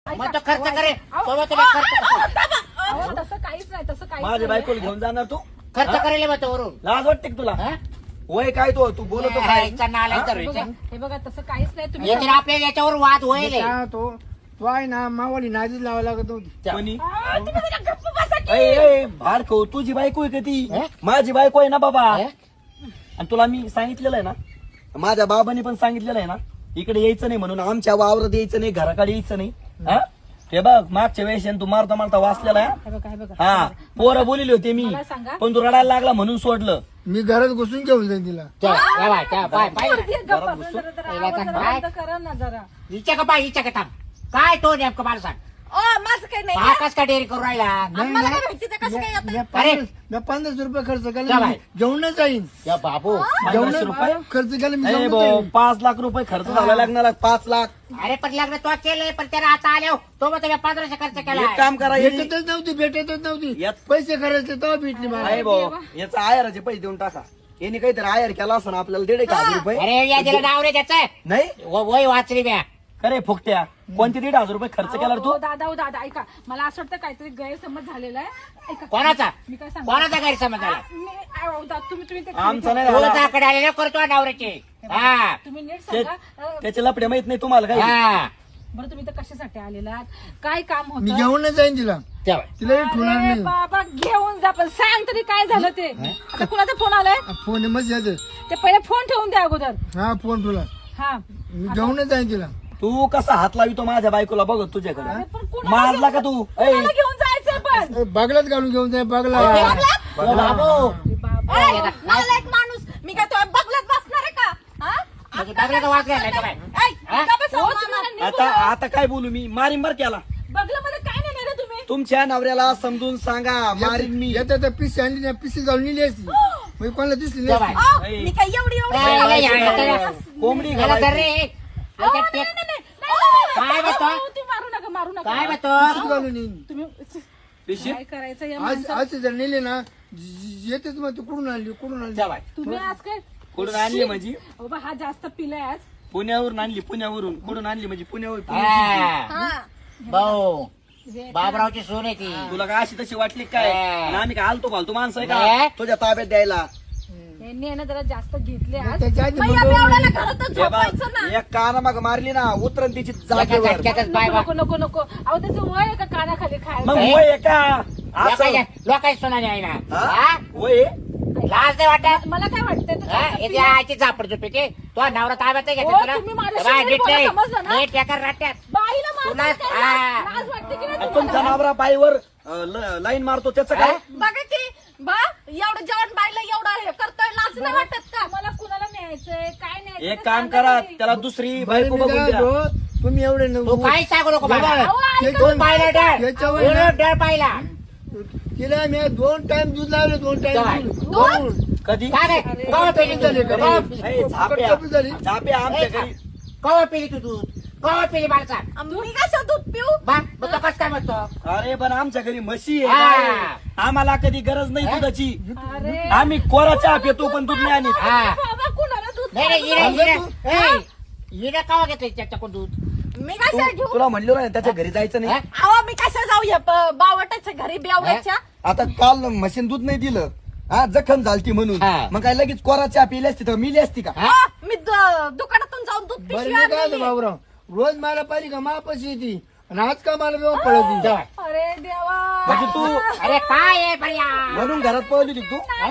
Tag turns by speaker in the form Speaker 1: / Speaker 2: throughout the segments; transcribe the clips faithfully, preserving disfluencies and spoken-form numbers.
Speaker 1: मग तो खर्च करे तो तुला खर्च
Speaker 2: तसं काहीच नाही तसं काहीच
Speaker 3: माझ्या बायकोला घेऊन जाणार तू
Speaker 1: खर्च करेल मग तो वरून
Speaker 3: लाज वाटते का तुला
Speaker 1: हा?
Speaker 3: वय काय तो तू बोलतो काय
Speaker 1: इतका नालायक
Speaker 3: हा?
Speaker 1: तर
Speaker 2: हे बघा, हे बघा तसं काहीच नाही तुम्ही
Speaker 1: याच्यावर आपल्या याच्यावर वाद होईल
Speaker 4: काय तो तो आहे ना मावाली नादीच लावा लागत नव्हती
Speaker 3: कोणी
Speaker 2: आ, तुम्ही जरा गप्प बसा की.
Speaker 3: ए, ए, भाड खाऊ तुझी बायको आहे का ती
Speaker 1: हा?
Speaker 3: माझी बायको आहे ना बाबा
Speaker 1: हा?
Speaker 3: आणि तुला मी सांगितलेलं आहे ना माझ्या बाबांनी पण सांगितलेलं आहे ना इकडे यायचं नाही म्हणून आमच्या वावरात यायचं नाही घराकडे यायचं नाही हा हे बघ मागच्या वेळेस तू मारता मारता वाचलेला आहे
Speaker 2: हे बघा हे बघा
Speaker 3: हा पोरं बोलिले होते मी
Speaker 2: मला सांगा.
Speaker 3: पण तू रडायला लागला म्हणून सोडलं
Speaker 4: मी घरात घुसून घेऊन जाईन तिला
Speaker 1: त्या- त्या बाय, त्या बाय, बाय.
Speaker 2: पोरगी आहे, गप्प बसा जरा, जरा
Speaker 1: पहिला
Speaker 2: आवाज
Speaker 1: तर
Speaker 2: जरा
Speaker 1: काय?
Speaker 2: बंद करा ना जरा
Speaker 1: हिच्या का बाय हिच्या का थांब काय तो नेमकं मला सांग
Speaker 2: ओ माझं काही नाही
Speaker 1: हा कस का डेअरी करू राहिला
Speaker 2: आम्हाला काय माहिती ते कसं काय येतं?
Speaker 4: मी पन्नास मी पन्नास रुपये खर्च
Speaker 1: जा
Speaker 4: केला
Speaker 1: बाई.
Speaker 4: जेवणच जाईन
Speaker 1: या बाबू
Speaker 4: जेवण
Speaker 3: रुपये?
Speaker 4: खर्च केला मी
Speaker 3: ए
Speaker 4: जेवणात
Speaker 3: भाऊ,
Speaker 4: जाईन.
Speaker 3: पाच लाख रुपये खर्च झाला लागणार पाच लाख
Speaker 1: अरे पण लग्न तो केलंय पण त्याला आता आल्या तो मग तुम्ही पंधराशे खर्च केला
Speaker 3: एक काम करा याची-
Speaker 4: भेटतच नव्हती भेटतच नव्हती
Speaker 3: यात-
Speaker 4: पैसे खर्चले तेव्हा भेटली मला
Speaker 3: आहे भाऊ याचा आयराचे पैसे देऊन टाका यांनी काहीतरी आयर केला असं आपल्याला दीड एक हजार रुपये
Speaker 1: अरे या दिला नाव रे त्याचं
Speaker 3: नाही
Speaker 1: व- वय वाचली म्या
Speaker 3: अरे फुकट्या कोणते दीड हजार रुपये खर्च केला रे
Speaker 2: अहो,
Speaker 3: तू
Speaker 2: दादा ओ दादा ऐका मला असं वाटतं काहीतरी गैरसमज झालेला आहे ऐका
Speaker 1: कोणाचा
Speaker 2: मी काय सांगू
Speaker 1: कोणाचा गैरसमज झाला
Speaker 2: मी अहो, दा- तुम्ही तुम्ही ते
Speaker 3: आमचा नाही
Speaker 1: तो
Speaker 3: झाला.
Speaker 1: त्याकडे आलेला करतो नवऱ्याचे हा
Speaker 2: तुम्ही नीट
Speaker 3: ते-
Speaker 2: सांगा अ,
Speaker 3: त्याचे लपडे माहित नाही तुम्हाला काही
Speaker 1: हा
Speaker 2: बरं तुम्ही तर कशासाठी आलेलात काय काम
Speaker 4: मी
Speaker 2: होतं
Speaker 4: जेवणच जाईन तिला
Speaker 1: तेव्हा.
Speaker 4: तिला हे ठेवणार
Speaker 2: अरे
Speaker 4: नाही
Speaker 2: बाबा घेऊन जा पण सांग तरी काय झालं ते आता कुणाचा फोन आलाय
Speaker 4: फोन मस्त यायचं
Speaker 2: ते पहिले फोन ठेवून द्या अगोदर
Speaker 4: हा फोन तुला
Speaker 2: हा
Speaker 4: मी जेवणच जाईन तिला
Speaker 3: तू कसा हात लावितो माझ्या बायकोला बघत तुझ्याकडे
Speaker 2: अरे पण कुणाला
Speaker 3: मारला का
Speaker 2: घेऊन-
Speaker 3: तू ए,
Speaker 2: कुणाला घेऊन जायचं पण
Speaker 4: ए, बागलात घालून घेऊन जाय बागला
Speaker 1: ओ बाबू
Speaker 2: अरे बाबा.
Speaker 1: ए,
Speaker 5: मला एक माणूस मी काय तो बघलत बसणार आहे का हा?
Speaker 1: म्हणजे बघल्याचा वाद घ्यायला का काय?
Speaker 5: ऐ,
Speaker 1: हा?
Speaker 5: का बसावं
Speaker 2: हो,
Speaker 5: मामा?
Speaker 2: तुम्हाला नीट
Speaker 3: आता
Speaker 2: बोला.
Speaker 3: आता काय बोलू मी मारीन बर केला
Speaker 2: बघलं मध्ये काय नाही रे तुम्ही
Speaker 3: तुमच्या नवऱ्याला समजून सांगा मारीन मी
Speaker 4: येतात त्या पिशी आणली ना पिशी घालून नेली असती मग कोणाला दिसली
Speaker 1: तेव्हा.
Speaker 4: नाही
Speaker 5: अहो,
Speaker 3: ऐ.
Speaker 5: मी काय एवढी एवढी
Speaker 1: ए,
Speaker 5: एवढी-
Speaker 1: ए, ए, ए, ए,
Speaker 3: कोंबडी
Speaker 1: याला
Speaker 3: घालायची.
Speaker 1: धर रे.
Speaker 2: अहो,
Speaker 1: याच्यात
Speaker 2: नाही,
Speaker 1: टेक-
Speaker 2: नाही, नाही, नाही, नाही,
Speaker 1: काय
Speaker 2: नाही,
Speaker 1: म्हणतो?
Speaker 2: अहो, तुम्ही मारू नका मारू नका
Speaker 1: काय म्हणतो
Speaker 4: पिशीत घालून येईन
Speaker 2: तुम्ही
Speaker 3: पिशी
Speaker 2: काय करायचं या
Speaker 4: आज
Speaker 2: माणसाला?
Speaker 4: आज जर नेले ना ज- येतेच मग तू कुठून आणली कुठून आणली
Speaker 1: तेव्हा.
Speaker 2: तुम्ही आज काय
Speaker 3: कुठून आणली म्हणजे
Speaker 2: बाबा हा जास्त पिलाय आज
Speaker 3: पुण्यावरून आणली पुण्यावरून कुठून आणली म्हणजे पुण्यावरून
Speaker 1: हा.
Speaker 5: हा.
Speaker 1: भाऊ
Speaker 2: हे-
Speaker 1: बाबरावची सून आहे ती
Speaker 3: तुला काय अशी तशी वाटली काय
Speaker 1: हा.
Speaker 3: आणि आम्ही काय आलतो फालतू माणसं आहे
Speaker 1: नाही.
Speaker 3: का तुझ्या ताब्यात द्यायला
Speaker 2: यांनी आहे ना जरा जास्त घेतले आज
Speaker 4: त्याच्या आधी
Speaker 5: मग या
Speaker 4: बोलवलं
Speaker 5: बेवड्याला
Speaker 4: नाही.
Speaker 5: घरातच
Speaker 3: हे बघ,
Speaker 5: झोपायचं ना
Speaker 3: एक काना मग मारली ना उतरण तिची
Speaker 1: एका
Speaker 3: जागेवर
Speaker 1: झटक्यातच बाय
Speaker 2: नको नको नको अहो त्याचं वय आहे का कानाखाली
Speaker 3: मग
Speaker 2: खायचं
Speaker 1: हे?
Speaker 3: वय आहे का असं
Speaker 1: लोकांच्या लोकांची सुनानी आहे ना
Speaker 3: हा?
Speaker 1: हा?
Speaker 3: वय
Speaker 1: लाज नाही वाटत
Speaker 2: मला काय वाटतंय ते
Speaker 1: हा?
Speaker 2: जास्त
Speaker 1: याची
Speaker 2: पिलाय.
Speaker 1: आईची झापड झोपेची तो नवरा ताब्यात नाही
Speaker 2: ओ,
Speaker 1: घेते तुला
Speaker 2: तुम्ही माझ्याशी
Speaker 1: बाय,
Speaker 2: तरी
Speaker 1: नीट
Speaker 2: बोला,
Speaker 1: नाही.
Speaker 2: समजलं ना?
Speaker 1: नीट एका राट्यात
Speaker 2: बाईला मारताय
Speaker 1: तुला-
Speaker 2: काय?
Speaker 1: हा.
Speaker 2: लाज वाटते की नाही
Speaker 3: आणि तुमचा
Speaker 2: तुम्हाला?
Speaker 3: नवरा पायवर अं, ल- लाईन मारतो त्याचं काय
Speaker 5: बघा की बा एवढं जेवण बायला एवढं हे करतोय लाज नाही वाटत का
Speaker 2: मला कुणाला न्यायचंय काय न्यायचं
Speaker 3: एक
Speaker 2: ते
Speaker 3: काम
Speaker 2: सांगा
Speaker 3: करा
Speaker 2: तरी.
Speaker 3: त्याला दुसरी
Speaker 4: बरं,
Speaker 3: बायको
Speaker 4: मी
Speaker 3: बघून
Speaker 4: काय
Speaker 3: द्या
Speaker 4: म्हणतो, तुम्ही एवढे
Speaker 1: तू
Speaker 4: नव्हते.
Speaker 1: काही सांगू नको मला
Speaker 4: बाबा,
Speaker 2: अहो, ऐका.
Speaker 1: तू पाहिलं डर
Speaker 4: याच्यावर
Speaker 1: तू
Speaker 4: ना-
Speaker 1: डर पाहिला
Speaker 4: तिला मी दोन टाइम दूध लावले दोन
Speaker 1: काय?
Speaker 4: टाइम दूध
Speaker 3: कधी
Speaker 1: काय रे? कवा पेली तू
Speaker 4: झाले,
Speaker 1: कवा
Speaker 3: ए, झाप्या
Speaker 4: कमी झाली.
Speaker 3: झाप्या आमच्या घरी
Speaker 1: कवा पेली तू दूध कवा पेली मला सांग
Speaker 5: आम- मी कसं दूध पिऊ
Speaker 1: बा मग तो कसं काय म्हणतो
Speaker 3: अरे पण आमच्या घरी म्हशी
Speaker 1: हा.
Speaker 3: आहे गाय. आम्हाला कधी गरज नाही
Speaker 1: हा?
Speaker 3: दुधाची
Speaker 2: अरे
Speaker 3: आम्ही कोरा चहा पितो पण दूध नाही आणत
Speaker 1: हा
Speaker 2: बाबा कुणाला दूध
Speaker 1: नाही नाही हिरे
Speaker 4: अगं
Speaker 1: हिरे
Speaker 4: तू-
Speaker 1: ए, हिरे कवा घेतोय त्याच्याकडून दूध
Speaker 5: मी
Speaker 3: तू-
Speaker 5: कसं घेऊ
Speaker 3: तुला म्हणलो ना त्याच्या घरी जायचं नाही
Speaker 1: हा?
Speaker 5: अहो मी कसं जाऊ या ब- बावटाच्या घरी बेवड्याच्या
Speaker 3: आता काल म्हशीन दूध नाही दिलं हा जखम झालती म्हणून
Speaker 1: हा.
Speaker 3: मग काय लगेच कोरा चहा पिली असती तर मिली असती का
Speaker 1: हा?
Speaker 5: अहो, मी द- दुकानातून जाऊन दूध
Speaker 4: बरं
Speaker 5: पिशवी
Speaker 4: मी काय
Speaker 5: आणलेली.
Speaker 4: बाबूराव रोज मला पाहिजे का मापाशी येते आणि आज का मला व्यवस्था पळती
Speaker 1: जेवाय.
Speaker 2: अरे देवा
Speaker 3: म्हणजे तू
Speaker 1: अरे काय आहे बढिया
Speaker 3: म्हणून घरात पळली होती तू
Speaker 1: हा?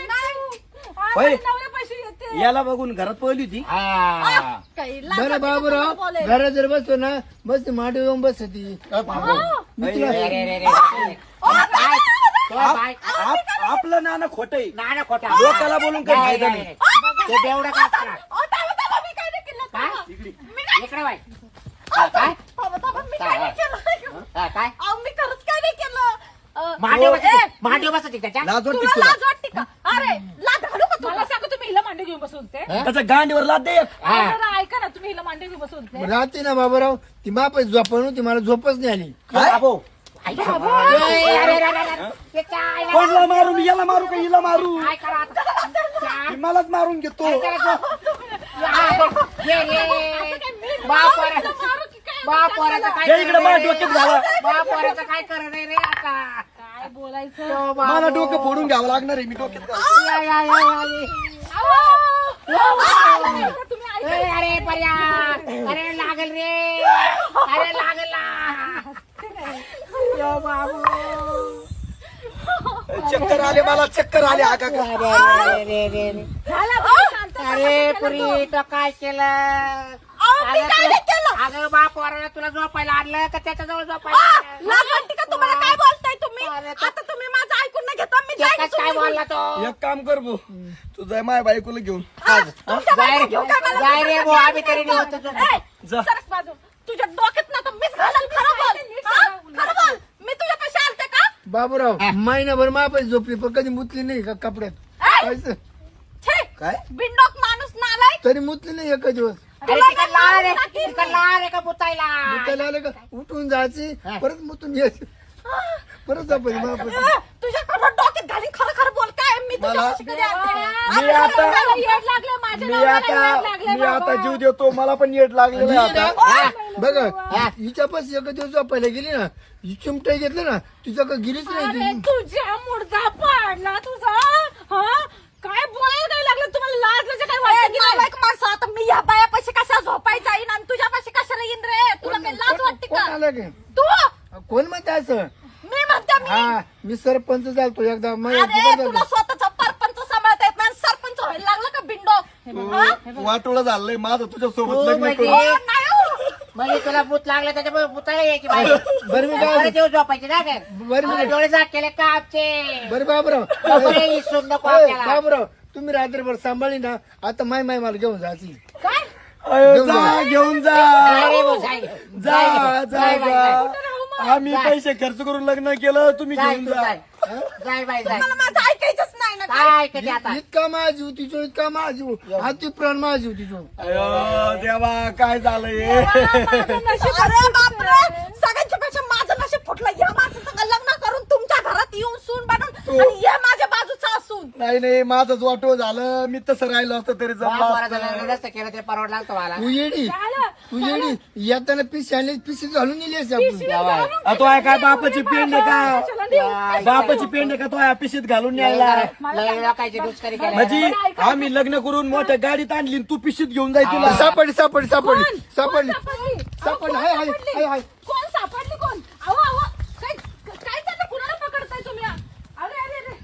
Speaker 3: होय.
Speaker 2: नवऱ्यापाशी येते
Speaker 3: याला बघून घरात पळली होती
Speaker 1: हा.
Speaker 5: काही लाज
Speaker 4: बरं
Speaker 5: वाटते का
Speaker 4: बाबूराव
Speaker 5: तुम्हाला बोलायला?
Speaker 4: घरात जर बसतो ना बस माडी येऊन बसती मी तुला
Speaker 1: अरे, अरे, अरे, अरे. काय? तो
Speaker 3: आप-
Speaker 1: बाय-
Speaker 3: आप- आपलं नाणं खोट आहे
Speaker 1: नाणं खोटं.
Speaker 3: लोकाला बोलून काही
Speaker 1: नाही,
Speaker 3: फायदा
Speaker 1: नाही,
Speaker 3: नाही
Speaker 1: नाही. ते बेवडं काय असणार?
Speaker 5: अहो, थांबा, थांबा, मी काय नाही केलं,
Speaker 1: काय?
Speaker 5: थांबा.
Speaker 1: इकडे बाय. हा, काय
Speaker 5: थांबा, थांबा, मी काय नाही केलं.
Speaker 1: हा, काय
Speaker 5: अहो, मी खरंच काय नाही केलं. अं,
Speaker 1: मांडीव
Speaker 5: ए,
Speaker 1: बसते मांडीव बसते त्याच्या
Speaker 3: लाज वाटते
Speaker 5: तुला
Speaker 3: तुला
Speaker 5: लाज वाटते का अरे लाज घालू का तुला
Speaker 2: मला सांगा तुम्ही हिला मांडी घेऊन बसून ते
Speaker 1: हा?
Speaker 3: त्याच्या गांडीवर लाद दे एक.
Speaker 1: हा.
Speaker 2: जरा ऐका ना तुम्ही हिला मांडी घेऊन बसून ते
Speaker 4: राहते ना बाबूराव ती माप झोपा नव्हती मला झोपच नाही आली
Speaker 3: काय?
Speaker 1: बाबू. आई, बाबू. ए, अरे, अरे, अरे, अरे. त्याच्या आईला-
Speaker 3: कोणला मारू मी याला मारू का हिला मारू
Speaker 1: काय करा आता?
Speaker 3: मी मलाच मारून घेतो
Speaker 1: काय करायचं? या, ये, ये. बाप रे.
Speaker 2: मारू की काय
Speaker 1: बा पोराचं काय
Speaker 3: या इकडे
Speaker 1: करणं
Speaker 3: माझ्या
Speaker 1: रे?
Speaker 3: डोक्यात घाला.
Speaker 1: बा पोराचं काय करणं नाही रे आता
Speaker 2: काय बोलायचं
Speaker 1: यो बाबू.
Speaker 3: मला डोकं फोडून घ्यावं लागणार आहे मी डोक्यात घाल.
Speaker 1: या, या, या, या, या.
Speaker 2: तुम्ही ऐका.
Speaker 1: ए, अरे पर्या अरे लागल रे अरे लागल ना. यो बाबू
Speaker 3: चक्कर आले मला चक्कर आले आका का.
Speaker 1: अरे अरे अरे अरे अरे.
Speaker 2: झाला बा, शांत बसा.
Speaker 1: अरे पुरी तो काय केलं
Speaker 5: अहो, मी
Speaker 1: अगं
Speaker 5: काय
Speaker 1: तू-
Speaker 5: नाही केलं.
Speaker 1: अगं बा पोराला तुला झोपायला आणलं का त्याच्याजवळ
Speaker 5: आ,
Speaker 1: झोपायला आणलं?
Speaker 5: लाज वाटते का तुम्हाला? काय बोलताय तुम्ही?
Speaker 1: अरे तो-
Speaker 5: आता तुम्ही माझं ऐकून नाही घेता. मी जाईन
Speaker 1: एकच काय
Speaker 5: तुम्ही-
Speaker 1: बोलला तो
Speaker 3: एक काम कर भाऊ तू जाय माझ्या बायकोला घेऊन
Speaker 5: हा, तुमच्या
Speaker 1: जाय
Speaker 5: बायको घेऊन काय मला
Speaker 1: जाय रे
Speaker 5: दुसरं
Speaker 1: भाऊ
Speaker 5: काय
Speaker 1: आम्ही तरी
Speaker 5: बोलतो?
Speaker 1: निवडतो तुझं.
Speaker 5: ए,
Speaker 3: जा.
Speaker 5: सरक बाजू. तुझ्या डोक्यात ना तर मीच घालेल. खरं बोल. हा? खरं बोल. मी तुझ्या पैसे आलते का?
Speaker 4: बाबूराव
Speaker 1: हा.
Speaker 4: महिनाभर मापाशी झोपली पण कधी मुतली नाही का कपड्यात
Speaker 5: ए,
Speaker 4: पैसे
Speaker 5: छे,
Speaker 3: काय
Speaker 5: बिनडोक माणूस नालाय.
Speaker 4: तरी मुतली नाही एक दिवस
Speaker 1: अरे तिकडं लाल रे तिकडं लाल रे का बुतायला
Speaker 4: मुतायला आलं का उठून जायची
Speaker 1: हा.
Speaker 4: परत मुतून यायची परत झोपायची मापाशी
Speaker 5: ए, तुझ्याकडं डोक्यात घालीन. खरं खरं बोल. काय मी तुझ्या
Speaker 3: मला-
Speaker 5: पैसे कधी आलते?
Speaker 3: मी आता
Speaker 2: मला येड लागलं, माझ्या
Speaker 3: मी
Speaker 2: नवऱ्याला
Speaker 3: आता
Speaker 2: येड लागलं
Speaker 3: मी आता
Speaker 2: बाबा.
Speaker 3: जीव देतो मला पण येड लागलेलं आहे आता
Speaker 1: हा.
Speaker 4: बघा
Speaker 1: हा.
Speaker 4: हिच्या पास एक दिवस झोपायला गेली ना ही चिमटाई घेतलं ना तुझ्या का गेलीच
Speaker 2: अरे
Speaker 4: नाही ती.
Speaker 2: तुझ्या मुडदा पाडला तुझा हा काय बोलायला काय लागलं तुम्हाला लाज लाज काय
Speaker 5: ए,
Speaker 2: वाटतं की नाही?
Speaker 5: नालायक माणसं. आता मी या बाया पैसे कशा झोपायचा येईन आणि तुझ्या पैसे कशाला येईन रे? तुला काही लाज वाटते
Speaker 4: कोण
Speaker 5: का?
Speaker 4: आलं काय
Speaker 5: तू
Speaker 4: कोण म्हणते असं
Speaker 5: मी म्हणते मी
Speaker 4: हा मी सरपंच झालतो एकदा माझ्या
Speaker 5: अरे
Speaker 4: दुकानात
Speaker 5: तुला
Speaker 4: झालतो.
Speaker 5: स्वतःचा परपंच सांभाळता येत नाही. सरपंच व्हायला लागला का बिंडो?
Speaker 3: वाटोळं झालंय माझं तुझ्या
Speaker 1: तू
Speaker 3: सोबत लग्न
Speaker 1: म्हणजे-
Speaker 3: करून.
Speaker 5: हो, नाही हो.
Speaker 1: म्हणजे तुला भूत लागलं त्याच्यामुळे भूताला यायची बाई
Speaker 4: बरं मी काय
Speaker 1: बरं देऊ झोपायची ना काय
Speaker 4: बरं मी
Speaker 1: डोळे जाग केले का आमचे
Speaker 4: बरं बाबूराव
Speaker 1: बरे इसून नको
Speaker 4: ए,
Speaker 1: आपल्याला
Speaker 4: बाबूराव तुम्ही रात्रभर सांभाळली ना आता माय माय मला घेऊन जायची
Speaker 2: काय
Speaker 3: अयो,
Speaker 4: घेऊन
Speaker 3: जा
Speaker 4: जा.
Speaker 3: घेऊन जा
Speaker 1: जाय रे भाऊ, जाय.
Speaker 3: जा
Speaker 1: जाय,
Speaker 3: जा
Speaker 1: जाय, जाय, जाय.
Speaker 3: जा आम्ही
Speaker 1: जाय.
Speaker 3: पैसे खर्च करून लग्न केलं तुम्ही
Speaker 1: जाय
Speaker 3: घेऊन
Speaker 1: तू,
Speaker 3: जा
Speaker 1: जाय. जाय बाई जाय
Speaker 5: मला माझं ऐकायचंच नाही ना.
Speaker 1: काय कधी आता
Speaker 4: इतका माझी होती जो इतका माझी अति प्राण माझी होती जो
Speaker 3: अयो देवा काय झालंय
Speaker 5: अरे बापरे, सगळ्यांच्या पेक्षा माझं नशीब फुटलं. या माणसासंग लग्न करून तुमच्या घरात येऊन सून बनून आणि या माझ्या बाजूचा असून.
Speaker 3: नाही नाही माझंच वाटो झालं मी तसं राहिलो असतं तरी जमलं
Speaker 1: पोराचं
Speaker 3: असतं.
Speaker 1: लग्न नसतं केलं ते परवडलं असतं मला
Speaker 4: तू येडी
Speaker 2: झालं.
Speaker 4: तू येडी येताना पिशी आणली पिशी घालून नेली असते आपण
Speaker 1: जावाय.
Speaker 3: आ, तो आहे काय बापाची पेंड आहे का बापाची पेंड आहे का तो आहे पिशीत घालून न्यायला
Speaker 1: लय लोकांची दुष्करी केली
Speaker 3: म्हणजे आम्ही लग्न करून मोठ्या गाडीत आणली आणि तू पिशीत घेऊन जाय तिला
Speaker 4: सापडली सापडली सापडली
Speaker 2: कोण?
Speaker 4: सापडली
Speaker 2: कोण सापडली?
Speaker 4: सापडली.
Speaker 2: कोण
Speaker 4: हाय, हाय,
Speaker 2: सापडली?
Speaker 4: हाय, हाय.
Speaker 2: कोण सापडली कोण अहो अहो काय काय चाललं कुणाला पकडताय तुम्ही अरे अरे अरे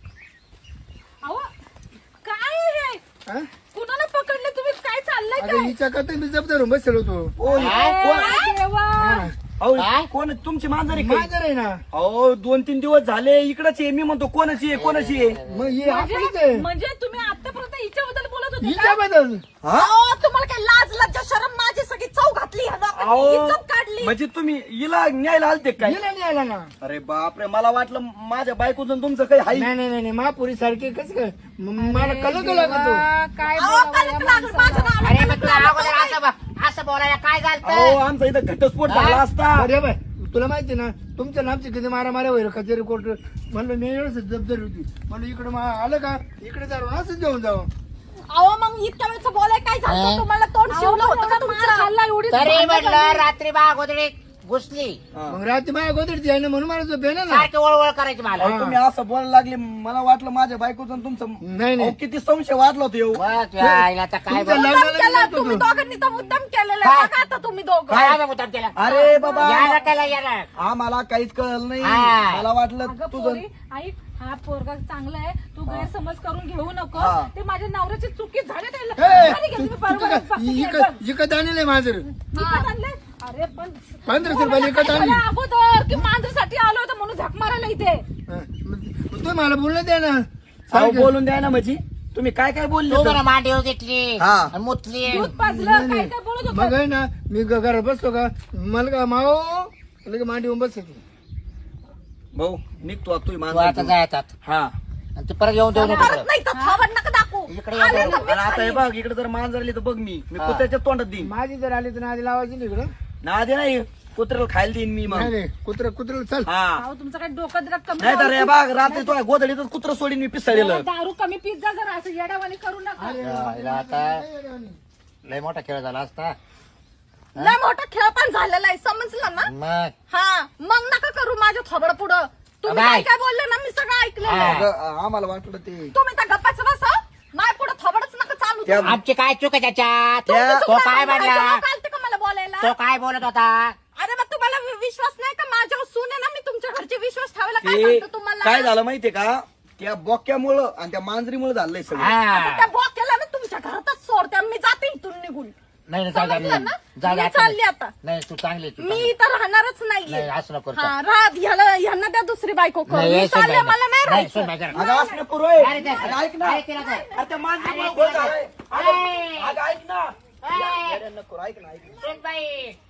Speaker 2: अहो काय हे
Speaker 4: हा?
Speaker 2: कुणाला पकडले तुम्ही काय चाललंय
Speaker 4: अगं
Speaker 2: काय
Speaker 4: हिच्या करता मी जबाबदार होऊन बसलो होतो
Speaker 3: ओ,
Speaker 1: काय?
Speaker 3: कोण
Speaker 2: अरे देवा
Speaker 3: अहो,
Speaker 1: काय?
Speaker 3: कोण तुमची मांजर आहे काय?
Speaker 4: माझं आहे ना
Speaker 3: अहो दोन तीन दिवस झाले इकडच आहे मी म्हणतो कोणाची आहे कोणाची आहे
Speaker 4: मग हे आपलीच
Speaker 2: म्हणजे
Speaker 4: आहे
Speaker 2: म्हणजे तुम्ही आतापर्यंत हिच्याबद्दल बोलत होते
Speaker 4: हिच्या
Speaker 2: का?
Speaker 4: बद्दल
Speaker 3: हा?
Speaker 5: अहो, तुम्हाला काय लाज लज्जा शरम माझी सगळी चव घातली ह्या लोकांनी.
Speaker 3: अहो
Speaker 5: इज्जत काढली.
Speaker 3: म्हणजे तुम्ही हिला न्यायला आलते काय
Speaker 4: गेला नाही आला ना
Speaker 3: अरे बापरे मला वाटलं माझ्या बायकोचं तुमचं काही हाई
Speaker 4: नाही नाही नाही नाही महापुरी सारखे कसं काय म- मला कलक लागतो
Speaker 2: काय
Speaker 5: अहो,
Speaker 2: बोलावं
Speaker 5: कलंक
Speaker 2: या
Speaker 5: लागलं माझ्या नावाला.
Speaker 1: अरे मग तुला अगोदर असं ब- असं बोलायला काय
Speaker 3: अहो
Speaker 1: झालं
Speaker 3: आमचा इथं घटस्फोट झाला असता
Speaker 4: अरे बाय तुला माहिती ना तुमच्या नामची किती मारा मारा होईल कचेरी कोर्ट म्हणलं मी एवढंच जबाबदारी होती म्हणलं इकडे मा- आलं का इकडे जाऊ असंच घेऊन जाऊ
Speaker 5: अहो मग इतक्या वेळचं बोलाय काय झालं
Speaker 1: हा?
Speaker 5: तुम्हाला तोंड शिवलं होतं का
Speaker 2: मार
Speaker 5: तुमचं?
Speaker 2: खाल्ला एवढी
Speaker 1: तरी
Speaker 2: भांडणं
Speaker 1: म्हटलं
Speaker 2: झाली.
Speaker 1: रात्री बा अगोदर घुसली
Speaker 3: हा.
Speaker 4: मग रात्री माझ्या गोदरची आहे ना म्हणून मला झोप येणार ना
Speaker 1: सारखी वळवळ करायची मला
Speaker 3: अहो, तुम्ही असं बोलायला लागले मला वाटलं माझ्या बायकोचं आणि तुमचं
Speaker 4: नाही नाही
Speaker 3: अहो, किती संशय वाढला होता येऊ
Speaker 1: बस यायला आता काय
Speaker 4: तुमचं
Speaker 1: बोल-
Speaker 4: लग्न-
Speaker 5: मुद्दाम केलं,
Speaker 4: लग्न
Speaker 5: तुम्ही
Speaker 4: होतं.
Speaker 5: दोघांनी तर मुद्दाम केलेलं
Speaker 1: काय?
Speaker 5: आहे. बघा आता तुम्ही दोघं.
Speaker 1: काय आम्ही मुद्दाम केला
Speaker 3: अरे बाबा
Speaker 1: यायला केला याला
Speaker 3: आम्हाला काहीच कळलं नाही
Speaker 1: हा.
Speaker 3: मला वाटलं
Speaker 2: अगं
Speaker 3: तुझं
Speaker 2: पोरी, ऐक हा पोरगा चांगला आहे तू गैरसमज करून घेऊ नको
Speaker 3: हा.
Speaker 2: ते माझ्या नवऱ्याची चुकी झाली त्याला
Speaker 4: ए,
Speaker 2: झाली का?
Speaker 4: तू-
Speaker 2: तुम्ही
Speaker 4: तू
Speaker 2: बरोबर
Speaker 4: काय-
Speaker 2: पक्की केलं.
Speaker 4: इकत इकत आणलंय माझं
Speaker 2: विकत आणलंय? अरे पण
Speaker 4: पंधराशे रुपयाला विकत आणली.
Speaker 2: मला अगोदर की मांजरीसाठी आलो होतो म्हणून झक मारायला इथे
Speaker 4: हा, मग तू मला बोललं द्या ना
Speaker 3: अहो,
Speaker 4: सारखं.
Speaker 3: बोलून द्या ना म्हणजे तुम्ही काय काय बोलले
Speaker 1: तू
Speaker 3: तर?
Speaker 1: म्हणा मांडीवर घेतली
Speaker 3: हा.
Speaker 1: आणि मुतली
Speaker 2: दूध पाजलं
Speaker 4: नाही,
Speaker 2: काय
Speaker 4: नाही.
Speaker 2: काय बोलत
Speaker 4: मग
Speaker 2: होतं
Speaker 4: आहे ना मी ग- घरात बसतो का मला का माओ लगे मांडी उभं बसते
Speaker 3: भाऊ निघतो आता तुम्ही
Speaker 1: तू आता
Speaker 3: माणसं
Speaker 1: जायतात
Speaker 3: हा
Speaker 1: आणि तू परत येऊन देऊ नको
Speaker 5: परत नाही तर थोबड नका दाखवू.
Speaker 1: इकडे
Speaker 5: आले
Speaker 1: येऊन
Speaker 5: तर
Speaker 1: देऊ.
Speaker 5: मीच
Speaker 3: आणि आता हे
Speaker 5: खाईन.
Speaker 3: बघ इकडे जर मान जरली तर बघ मी मी
Speaker 1: हा.
Speaker 3: कुत्र्याच्या तोंडात देईन
Speaker 4: माझी जर आली तर आधी लावायची नाही इकडं
Speaker 3: ना दे नाही कुत्र्याला खायला देईन मी
Speaker 4: नाही
Speaker 3: मग
Speaker 4: नाही कुत्रा कुत्र्याला चल
Speaker 3: हा
Speaker 2: अहो, तुमचं काय डोकं जरा कमी
Speaker 3: नाही तर हे
Speaker 2: लावा.
Speaker 3: बघ रात्री तो गोधडीतच कुत्र सोडीन मी पिसाळलेलं
Speaker 2: दारू कमी पित जा जरा असं येड्यावानी करू नका
Speaker 1: यायला आता लय मोठा खेळ झाला असता
Speaker 5: लय मोठा खेळ पण झालेला आहे समजलं ना
Speaker 1: मग
Speaker 5: हा मग नका करू माझ्या थोबड पुढं तुम्ही
Speaker 1: बाय.
Speaker 5: काय काय बोलले ना मी सगळं ऐकलं
Speaker 1: हा.
Speaker 3: अगं, आम्हाला वाटलं ते
Speaker 5: तुम्ही त्या गप्पाचं बसा माझ्या पुढं थोबडच नका चालू
Speaker 3: त्या-
Speaker 5: तुम्ही.
Speaker 1: आमची काय चूक आहे त्याच्यात
Speaker 3: त्या-
Speaker 5: तुमचं
Speaker 1: तो
Speaker 5: चुकलं
Speaker 1: काय
Speaker 5: नाही,
Speaker 1: म्हणला
Speaker 5: माझ्या कालते का मला बोलायला
Speaker 1: तो काय बोलत होता
Speaker 5: अरे मग तुम्हाला वि- विश्वास नाही का माझ्यावर सून आहे ना मी तुमच्या घरचे विश्वास ठेवायला काय
Speaker 3: ते
Speaker 5: सांगतो तुम्हाला
Speaker 3: काय झालं माहितीये का त्या बोक्यामुळं आणि त्या मांजरीमुळे झालंय सगळं
Speaker 5: आता
Speaker 1: हा
Speaker 5: त्या बॉकेला ना तुमच्या घरातच सोडते मी जाते इथून निघून
Speaker 1: नाही नाही, जाऊ दे,
Speaker 5: समजलं ना?
Speaker 1: जाऊ दे,
Speaker 5: मी
Speaker 1: आता
Speaker 5: चालली आता.
Speaker 1: नाही तू चांगली तू
Speaker 5: मी
Speaker 1: चांगली.
Speaker 5: इथं राहणारच
Speaker 1: नाही
Speaker 5: नाहीये
Speaker 1: असं नको करू.
Speaker 5: हा राहत ह्याला ह्यांना त्या दुसरी बायको करू
Speaker 1: नाही,
Speaker 5: मी
Speaker 1: हे सोड
Speaker 5: चालले
Speaker 1: बाई,
Speaker 5: मला नाही
Speaker 1: नाही, सोड
Speaker 5: राहायचं
Speaker 1: बाई, जरा.
Speaker 3: अगं असं नको रोय.
Speaker 1: अरे ते-
Speaker 3: अगं ऐक ना
Speaker 1: अरे तिला काय?
Speaker 3: अरे त्या मांजरीमुळे
Speaker 1: अरे
Speaker 3: गोळ
Speaker 1: तिला
Speaker 3: झालाय.
Speaker 1: काय?
Speaker 3: अगं अगं ऐक ना
Speaker 1: ए!
Speaker 3: येड्या नको, ऐक ना ऐक ना
Speaker 1: सोड बाई